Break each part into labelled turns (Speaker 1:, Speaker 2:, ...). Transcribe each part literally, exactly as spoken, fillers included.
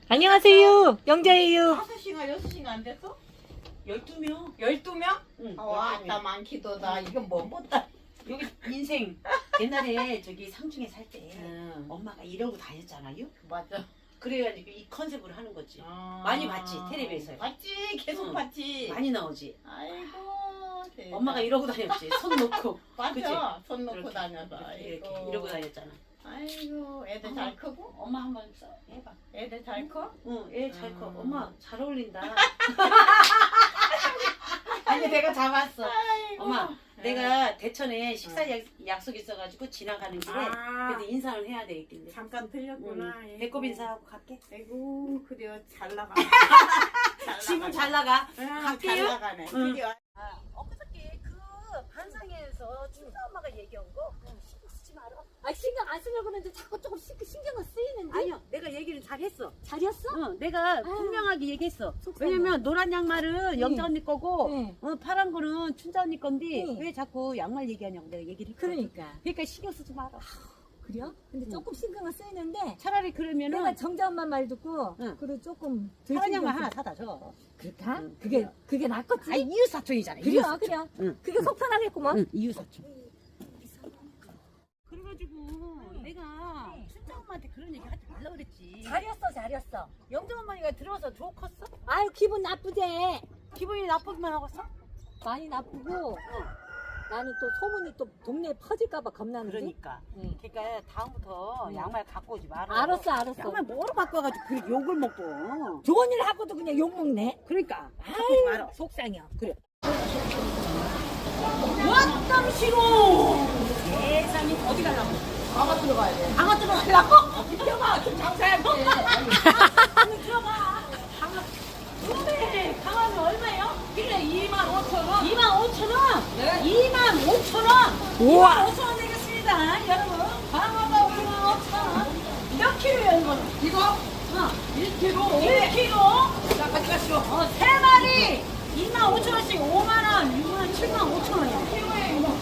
Speaker 1: 안녕하세요. 영자예요.
Speaker 2: 다섯 시간, 여섯 시간 안 됐어?
Speaker 3: 열두 명.
Speaker 2: 열두 명?
Speaker 3: 응.
Speaker 2: 아, 와, 나 많기도다. 이건 뭐 못다.
Speaker 3: 여기 인생 옛날에 저기 상중에 살 때
Speaker 2: 응.
Speaker 3: 엄마가 이러고 다녔잖아요.
Speaker 2: 맞아.
Speaker 3: 그래가지고 이 컨셉으로 하는 거지.
Speaker 2: 아.
Speaker 3: 많이 봤지, 텔레비에서요.
Speaker 2: 봤지, 계속
Speaker 3: 응.
Speaker 2: 봤지.
Speaker 3: 많이 나오지.
Speaker 2: 아이고. 대단.
Speaker 3: 엄마가 이러고 다녔지. 손 놓고.
Speaker 2: 맞아.
Speaker 3: 그치?
Speaker 2: 손 놓고
Speaker 3: 이렇게,
Speaker 2: 다녀서.
Speaker 3: 이렇게, 이렇게
Speaker 2: 아이고.
Speaker 3: 이러고 다녔잖아.
Speaker 2: 아이고, 애들 잘 크고?
Speaker 3: 엄마 한번 써 해봐.
Speaker 2: 애들 잘 커?
Speaker 3: 응, 얘 잘 커.
Speaker 2: 음.
Speaker 3: 엄마 잘 어울린다.
Speaker 2: 아니, 내가 잡았어.
Speaker 3: 엄마,
Speaker 2: 네.
Speaker 3: 내가 대천에 식사 약, 약속 있어가지고 지나가는 길에
Speaker 2: 아.
Speaker 3: 그래도 인사를 해야 되겠길래.
Speaker 2: 잠깐 들렸구나.
Speaker 3: 응.
Speaker 2: 아이고.
Speaker 3: 배꼽 인사하고 갈게.
Speaker 2: 아이고, 그래요. 잘 나가.
Speaker 3: 지금 잘 나가.
Speaker 2: 응, 잘
Speaker 3: 갈게요.
Speaker 2: 나가네.
Speaker 3: 응.
Speaker 2: 드디어.
Speaker 3: 아, 엊그저께 그 반상회에서 춘자 엄마가 얘기한 거 신경 쓰지 마라.
Speaker 1: 아, 신경 안 쓰려고 그러는데 자꾸 조금 신- 신경은 쓰이는데.
Speaker 3: 아니요, 내가 얘기를 잘 했어.
Speaker 1: 잘했어?
Speaker 3: 응, 내가 분명하게 얘기했어.
Speaker 1: 속상해.
Speaker 3: 왜냐면 노란 양말은
Speaker 1: 응.
Speaker 3: 영자 언니 거고,
Speaker 1: 응.
Speaker 3: 어, 파란 거는 춘자 언니 건데
Speaker 1: 응.
Speaker 3: 왜 자꾸 양말 얘기하냐고 내가 얘기를 했거든.
Speaker 1: 그러니까.
Speaker 3: 그러니까 신경 쓰지 마라.
Speaker 1: 그래요? 근데
Speaker 3: 응.
Speaker 1: 조금 신경은 쓰이는데.
Speaker 3: 차라리 그러면은
Speaker 1: 내가 정자 엄마 말 듣고
Speaker 3: 응.
Speaker 1: 그래 조금 덜
Speaker 3: 파란
Speaker 1: 신경
Speaker 3: 양말
Speaker 1: 쓰-
Speaker 3: 하나 사다 줘.
Speaker 1: 그럴까?
Speaker 3: 응,
Speaker 1: 그게
Speaker 3: 그래요.
Speaker 1: 그게 낫겠지?
Speaker 3: 아, 이웃 사촌이잖아.
Speaker 1: 그래요,
Speaker 3: 이웃 사촌.
Speaker 1: 그래요.
Speaker 3: 응.
Speaker 1: 그게 속 편하겠구만.
Speaker 3: 응, 이웃 사촌. 그래가지고 내가 춘자 엄마한테 그런 얘기 하지 말라 그랬지.
Speaker 1: 잘했어, 잘했어.
Speaker 3: 영자 어머니가 들어서 좋 컸어?
Speaker 1: 아유, 기분 나쁘대.
Speaker 3: 기분이 나쁘기만 하겠어?
Speaker 1: 많이 나쁘고. 나는 또 소문이 또 동네에 퍼질까봐 겁나는데.
Speaker 3: 그러니까.
Speaker 1: 응.
Speaker 3: 그러니까 다음부터
Speaker 1: 응.
Speaker 3: 양말 갖고 오지 마라.
Speaker 1: 알았어, 알았어.
Speaker 3: 양말 뭐로 바꿔가지고 그 욕을 먹고.
Speaker 1: 좋은 일 하고도 그냥 욕먹네.
Speaker 3: 그러니까. 갖고 오지
Speaker 1: 아유,
Speaker 3: 마라.
Speaker 1: 속상해.
Speaker 3: 그래. 왔담 싫어. 세상에 어디 가려고?
Speaker 2: 방아 들어가야 돼.
Speaker 3: 방아 들어가려고?
Speaker 2: 비켜봐, 좀 장사해야지.
Speaker 3: 아니 들어봐. 방아. 근데 방아는 얼마예요? 그래 이만 오천 원. 이만 오천 원.
Speaker 2: 네.
Speaker 3: 이만 오천 원.
Speaker 1: 우와.
Speaker 3: 오천 원 되겠습니다, 여러분. 방아가 이만 오천 원. 몇 킬로예요 이거는?
Speaker 2: 이거?
Speaker 3: 어.
Speaker 2: 일 킬로.
Speaker 3: 일 킬로.
Speaker 2: 자, 같이 가시오.
Speaker 3: 어, 세 마리 이만 오천 원씩 오만 원, 육 만, 칠만 오천 원이야.
Speaker 2: 킬로에 이거.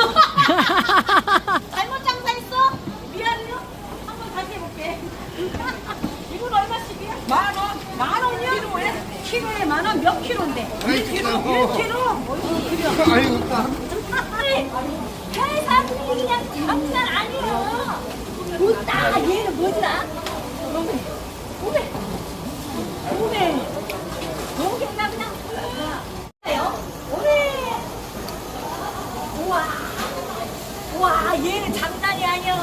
Speaker 3: 잘못 장사했어? 미안해요. 한번 다시 해볼게. 이건 얼마씩이야?
Speaker 2: 만 원.
Speaker 3: 만 원이요?
Speaker 2: 킬로에?
Speaker 3: 키로에 만 원 몇 킬로인데?
Speaker 2: 일 킬로.
Speaker 3: 일 킬로? 뭐지? 그래.
Speaker 2: 아이고,
Speaker 3: 회사들이 그냥 장난 아니야. 웃다. 얘는 뭐지라? 오메. 오메. 오메. 오메. 나 그냥. 오메. 우와. 와, 얘는 장난이 아니야.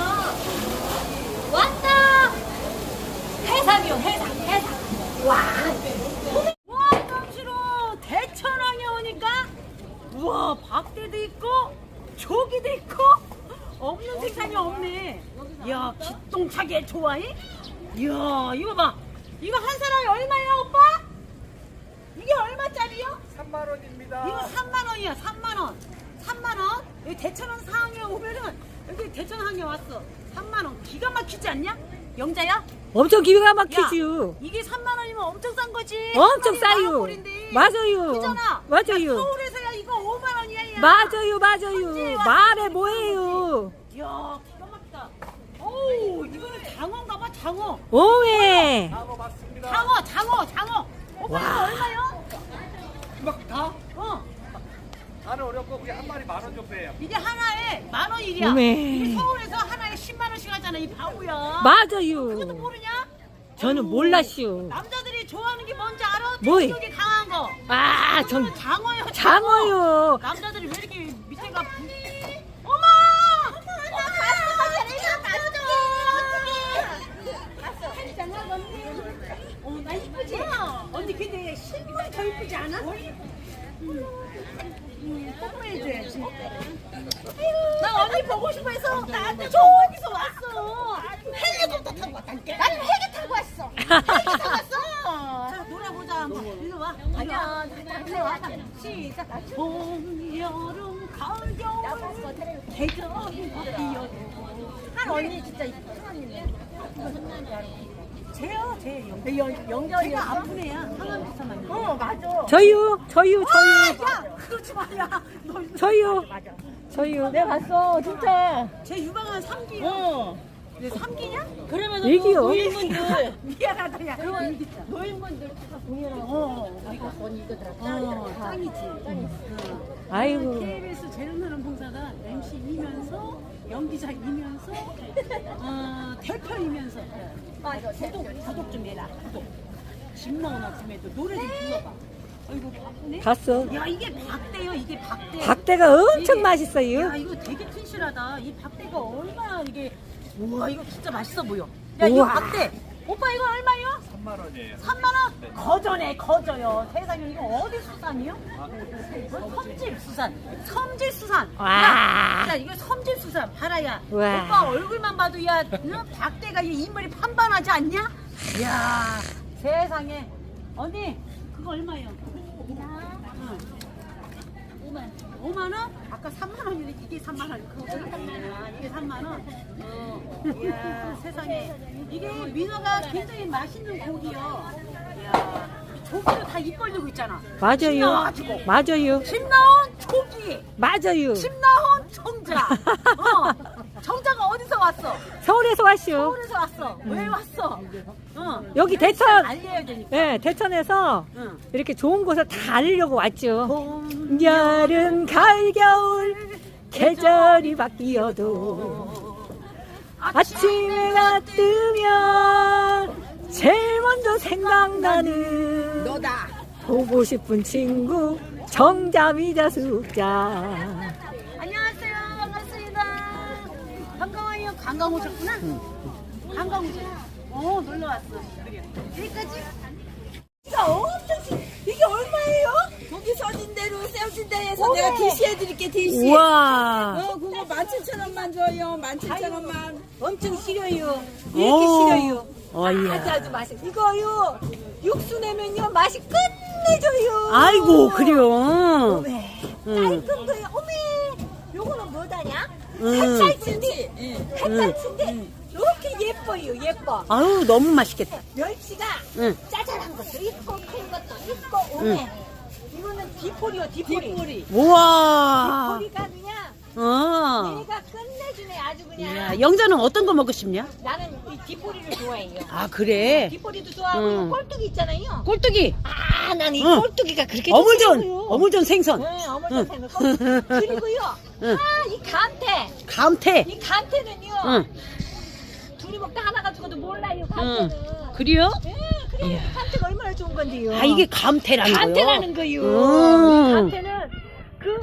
Speaker 3: 왔다. 해삼이요, 해삼, 해삼. 와. 와, 깜치로 대천항에 오니까, 우와, 박대도 있고, 조기도 있고, 없는 생산이 없네. 이야, 기똥차게 좋아해? 이야, 이거 봐. 이거 한 사람이 얼마야, 오빠? 이게 얼마짜리요?
Speaker 2: 삼만 원입니다.
Speaker 3: 이거 삼만 원이야, 삼만 원. 삼만 원? 여기 대천항 상항에 오면은, 여기 대천항에 왔어. 삼만 원. 기가 막히지 않냐? 영자야?
Speaker 1: 엄청 기가
Speaker 3: 야,
Speaker 1: 막히지요.
Speaker 3: 이게 삼만 원이면 엄청 싼 거지.
Speaker 1: 엄청
Speaker 3: 한 마리에 만
Speaker 1: 싸요.
Speaker 3: 원꼴인데.
Speaker 1: 맞아요.
Speaker 3: 그잖아.
Speaker 1: 맞아요.
Speaker 3: 서울에서야 이거 오만 원이야. 야.
Speaker 1: 맞아요,
Speaker 3: 현지에
Speaker 1: 맞아요.
Speaker 3: 와서
Speaker 1: 말해
Speaker 3: 이거
Speaker 1: 뭐예요.
Speaker 3: 이야, 기가 막히다. 오, 이거는 장어인가 봐, 장어.
Speaker 1: 오메.
Speaker 2: 방어 맞습니다.
Speaker 3: 장어, 장어, 장어. 오빠
Speaker 1: 와.
Speaker 3: 이거 얼마요?
Speaker 2: 이만큼 다?
Speaker 3: 어,
Speaker 2: 다는 어렵고 그게 한 마리 만 원 정도예요.
Speaker 3: 이게 하나에 만 원이야.
Speaker 1: 어메.
Speaker 3: 이게 서울에서 하나에 십만 원씩 하잖아, 이 바보야. 그것도
Speaker 1: 맞아요.
Speaker 3: 모르냐?
Speaker 1: 저는
Speaker 3: 어우,
Speaker 1: 몰랐슈.
Speaker 3: 남자들이 좋아하는 게 뭔지 알아?
Speaker 1: 뭐이?
Speaker 3: 성격이 강한 거.
Speaker 1: 아, 전
Speaker 3: 이거는 장어요. 장어.
Speaker 1: 장어요.
Speaker 3: 남자들이 왜 이렇게 밑에가 부... 어머! 어머! 봤어, 봤어. 어, 나 이쁘지? 언니 근데 실물이 더 이쁘지 않아? 뽀뽀해줘야지. 나 언니 보고 싶어 해서 나한테 저기서 왔어. 헬리콥터 타고 왔다니까. 나는 헬기 타고 왔어. 헬기 타고 왔어. 자, 놀아보자 한번. 일로 와. 아니야. 일로 와. 시작. 봄, 여름, 가을, 겨울. 계절이 바뀌어도. 한 언니 진짜 이쁜 언니네. 쟤요, 쟤 영. 영, 영결이. 제가 아픈 애야. 상암 비슷한 어, 맞아.
Speaker 1: 저요, 저요,
Speaker 3: 아,
Speaker 1: 저요.
Speaker 3: 야, 그러지 마, 야. 너
Speaker 1: 저요.
Speaker 3: 맞아.
Speaker 1: 저요. 내가 봤어, 진짜.
Speaker 3: 제 유방한 삼 기.
Speaker 2: 어.
Speaker 3: 왜 삼기냐?
Speaker 1: 그러면서 얘기요.
Speaker 3: 노인분들 미안하다 야. 노인분들 다 공연하고 어, 우리가 돈 이거더라. 어, 짱이지. 짱이지.
Speaker 1: 아이고.
Speaker 4: 케이비에스 제일나는 봉사가 엠시이면서 연기자이면서 어, 대표이면서
Speaker 3: 맞아. 구독 구독 좀 해라. 구독.
Speaker 4: 집 나오나 쯤에도 노래 좀 불러봐. 아이고 바쁘네.
Speaker 1: 봤어.
Speaker 4: 야 이게 박대요 이게 박대.
Speaker 1: 박대가 엄청
Speaker 4: 이게-
Speaker 1: 맛있어요.
Speaker 4: 야 이거 되게 튼실하다. 이 박대가 얼마나 이게 우와 이거 진짜 맛있어 보여. 야 이거
Speaker 1: 우와.
Speaker 4: 박대. 오빠 이거 얼마요?
Speaker 2: 삼만 원이에요.
Speaker 4: 삼만 원? 거저네 거저요. 세상에 이거 어디 수산이요?
Speaker 2: 아,
Speaker 4: 어, 섬집 수산. 섬집 수산.
Speaker 1: 와.
Speaker 4: 야, 야 이거 섬집 수산. 봐라야.
Speaker 1: 와.
Speaker 4: 오빠 얼굴만 봐도 야 너 박대가 이 인물이 판단하지 않냐? 야 세상에. 언니 그거 얼마요? 응. 오만. 오만 원? 아까 삼만 원이네. 이게 삼만 원. 그거 삼만 원. 이게 삼만 원. 어. 이야 세상에. 이게 민어가 굉장히 맛있는 고기요. 이야 조기도 다 입 벌리고 있잖아. 집
Speaker 1: 맞아요.
Speaker 4: 나와가지고.
Speaker 1: 맞아요.
Speaker 4: 집 나온 조기.
Speaker 1: 맞아요.
Speaker 4: 집 나온 정자. 어. 정자가 어디서 왔어?
Speaker 1: 서울에서 왔슈.
Speaker 4: 서울에서 왔어. 왜 왔어? 어.
Speaker 1: 여기 대천.
Speaker 4: 알려야 되니까.
Speaker 1: 예, 대천에서
Speaker 4: 응.
Speaker 1: 이렇게 좋은 곳을 다 알리려고 왔죠.
Speaker 4: 봄,
Speaker 1: 여름, 가을, 겨울 계절이 바뀌어도 아침에가 뜨면 제일 먼저 생각나는
Speaker 3: 너다.
Speaker 1: 보고 싶은 친구 정자미자 숙자.
Speaker 4: 안녕하세요. 반갑습니다. 반가워요. 관광 오셨구나? 관광 오셨 어, 놀러 왔어. 그래. 여기까지?
Speaker 3: 이거 엄청 시- 이게 얼마예요? 거기 서진 대로 세워진 데에서 내가 디시 해드릴게 디시.
Speaker 1: 우와.
Speaker 3: 어 그거 만 칠천 원만 줘요. 만 칠천 원만. 엄청 싫어요.
Speaker 1: 오.
Speaker 3: 이렇게 싫어요.
Speaker 1: 어이야.
Speaker 3: 아주 아주 맛있어. 이거요. 육수 내면요 맛이 끝내줘요.
Speaker 1: 아이고, 그래요.
Speaker 3: 어메.
Speaker 1: 응.
Speaker 3: 깔끔 거요. 어메. 요거는 뭐다냐?
Speaker 1: 응.
Speaker 3: 햇살치인데. 햇살치인데. 이렇게 예뻐요. 예뻐.
Speaker 1: 아유, 너무 맛있겠다.
Speaker 3: 멸치가
Speaker 1: 응.
Speaker 3: 짜잘한 것도 있고 큰 것도 있고 오메. 이거는 디포리요 디포리. 디포리.
Speaker 1: 우와.
Speaker 3: 디포리가 그냥
Speaker 1: 어.
Speaker 3: 얘가 끝내주네 아주 그냥.
Speaker 1: 야, 영자는 어떤 거 먹고 싶냐?
Speaker 3: 나는 이 디포리를 좋아해요.
Speaker 1: 아, 그래?
Speaker 3: 디포리도 좋아하고
Speaker 1: 응.
Speaker 3: 이 꼴뚜기 있잖아요.
Speaker 1: 꼴뚜기.
Speaker 3: 아, 난 이
Speaker 1: 응.
Speaker 3: 꼴뚜기가 그렇게
Speaker 1: 어물전.
Speaker 3: 좋더라고요.
Speaker 1: 어물전 생선.
Speaker 3: 네, 어물전 생선. 꼴뚜기. 그리고요.
Speaker 1: 응.
Speaker 3: 아, 이 감태.
Speaker 1: 감태.
Speaker 3: 이 감태는요.
Speaker 1: 응.
Speaker 3: 둘이 먹다 하나가 죽어도 몰라요.
Speaker 1: 응.
Speaker 3: 감태는.
Speaker 1: 그래요?
Speaker 3: 예, 그래.
Speaker 1: 이야.
Speaker 3: 감태가 얼마나 좋은 건데요.
Speaker 1: 아, 이게 감태라는 거요?
Speaker 3: 감태라는 거요.
Speaker 1: 음.
Speaker 3: 감태는 그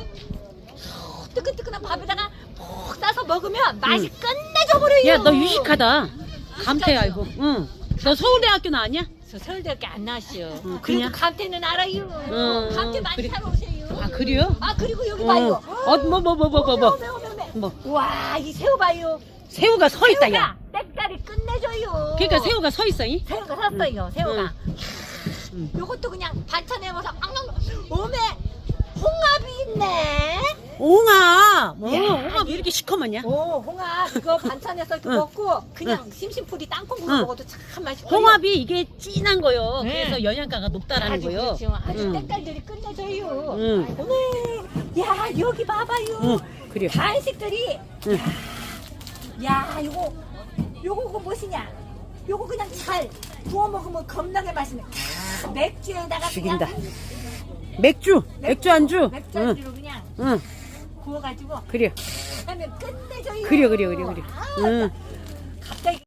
Speaker 3: 뜨끈뜨끈한 밥에다가 푹 싸서 먹으면 맛이 끝내줘 버려요.
Speaker 1: 야, 너 유식하다. 감태 알고. 응. 너 서울대학교 나왔냐?
Speaker 3: 저 서울대학교 안 나왔어요.
Speaker 1: 응,
Speaker 3: 그래도
Speaker 1: 그냥?
Speaker 3: 감태는 알아요.
Speaker 1: 응,
Speaker 3: 감태 많이
Speaker 1: 그래.
Speaker 3: 사러 오세요.
Speaker 1: 아, 그래요?
Speaker 3: 아, 그리고 여기
Speaker 1: 어.
Speaker 3: 봐요.
Speaker 1: 어, 뭐, 뭐, 뭐, 뭐, 뭐, 뭐.
Speaker 3: 매워, 매워, 매워.
Speaker 1: 뭐.
Speaker 3: 와, 이 새우 봐요.
Speaker 1: 새우가 서 있다, 야.
Speaker 3: 새우가 때깔이 끝내줘요.
Speaker 1: 그러니까 새우가 서 있어, 이?
Speaker 3: 새우가 샀어요. 새우가.
Speaker 1: 응.
Speaker 3: 요것도 그냥 반찬에 먹어서 앙앙. 오메 홍합이 있네.
Speaker 1: 옹아. 뭐,
Speaker 3: 야,
Speaker 1: 옹아 왜 이렇게 시커먼냐?
Speaker 3: 오, 홍합 그거 반찬에서 이렇게
Speaker 1: 응.
Speaker 3: 먹고 그냥 심심풀이 땅콩 구워
Speaker 1: 응.
Speaker 3: 먹어도 참 맛있고.
Speaker 1: 홍합이 이게 진한 거요.
Speaker 3: 네.
Speaker 1: 그래서 영양가가 높다라는
Speaker 3: 아주
Speaker 1: 거요.
Speaker 3: 그렇죠. 아주
Speaker 1: 응.
Speaker 3: 때깔들이 끝내줘요.
Speaker 1: 응.
Speaker 3: 오메, 야 여기 봐봐요.
Speaker 1: 응, 그래요.
Speaker 3: 간식들이.
Speaker 1: 응.
Speaker 3: 야 요거 요거 그 무엇이냐? 요거 그냥 잘 구워 먹으면 겁나게 맛있네. 맥주에다가
Speaker 1: 죽인다.
Speaker 3: 그냥
Speaker 1: 맥주, 맥주 안주.
Speaker 3: 맥주
Speaker 1: 응,
Speaker 3: 안주로 그냥
Speaker 1: 응,
Speaker 3: 구워가지고
Speaker 1: 그래요.
Speaker 3: 하면 끝내줘요.
Speaker 1: 그래요, 그래요, 그래요, 그래요.
Speaker 3: 아,
Speaker 1: 응.
Speaker 3: 갑자기.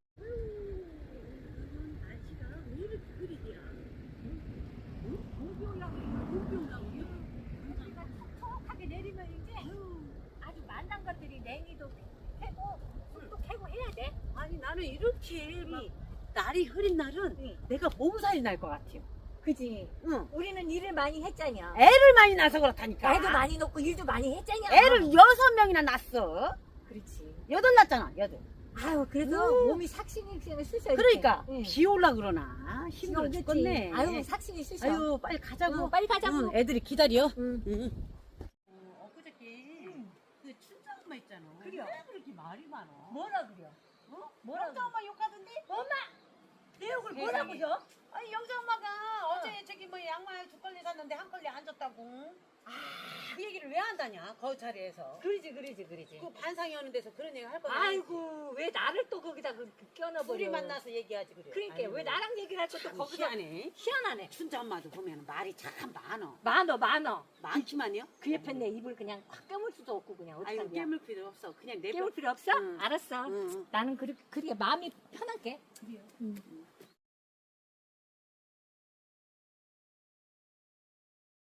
Speaker 3: 촉촉하게 내리면 이제 아주 만난 것들이 냉이도 캐고 술도 캐고 해야 돼.
Speaker 4: 아니 나는 이렇게 막 날이 흐린 날은
Speaker 3: 응.
Speaker 4: 내가 몸살이 날 것 같아요.
Speaker 3: 그지?
Speaker 4: 응.
Speaker 3: 우리는 일을 많이 했잖여.
Speaker 4: 애를 많이 낳아서 그렇다니까.
Speaker 3: 애도 많이 놓고 일도 많이 했잖여.
Speaker 4: 애를 여섯 명이나 낳았어.
Speaker 3: 그렇지.
Speaker 4: 여덟 낳았잖아, 여덟.
Speaker 3: 아유 그래도
Speaker 4: 음.
Speaker 3: 몸이 삭신이 쓰셔야
Speaker 4: 그러니까
Speaker 3: 응.
Speaker 4: 비 올라 그러나 힘들어
Speaker 3: 그치?
Speaker 4: 죽겠네.
Speaker 3: 아유 삭신이 쓰셔.
Speaker 4: 아유 빨리 가자고.
Speaker 3: 응, 빨리 가자고.
Speaker 4: 응, 애들이 기다려.
Speaker 3: 응.
Speaker 4: 응. 어, 엊그저께 그 춘자 엄마 있잖아.
Speaker 3: 그래요.
Speaker 4: 왜 그렇게 말이 많어?
Speaker 3: 뭐라 그려?
Speaker 4: 어?
Speaker 3: 뭐라고?
Speaker 4: 영자 엄마 욕하던데?
Speaker 3: 엄마 내 욕을
Speaker 4: 세상에.
Speaker 3: 뭐라고 줘?
Speaker 4: 아니 영자 엄마가 어. 제 저기 뭐 양말 두 걸레 샀는데 한 걸레 안 줬다고. 그 얘기를 왜 한다냐 그 자리에서.
Speaker 1: 그러지 그러지 그러지.
Speaker 4: 그 반상이 하는 데서 그런 얘기 할 거야.
Speaker 1: 아이고 왜 나를 또 거기다 그 껴넣어버려.
Speaker 4: 둘이 만나서 얘기하지 그래.
Speaker 1: 그러니까
Speaker 4: 아이고.
Speaker 1: 왜 나랑 얘기를 할 것도
Speaker 4: 참
Speaker 1: 거기서
Speaker 4: 희한해.
Speaker 1: 희한하네.
Speaker 4: 춘자 엄마도 보면 말이 참 많어.
Speaker 1: 많어 많어.
Speaker 4: 많기만요?
Speaker 1: 그 옆에 내 입을 그냥 확 깨물 수도 없고 그냥
Speaker 4: 아유
Speaker 1: 어떡하냐.
Speaker 4: 깨물 필요 없어. 그냥 내
Speaker 1: 깨물 필요 없어?
Speaker 4: 응.
Speaker 1: 알았어.
Speaker 4: 응.
Speaker 1: 나는 그렇게 그렇게 마음이 편하게. 응.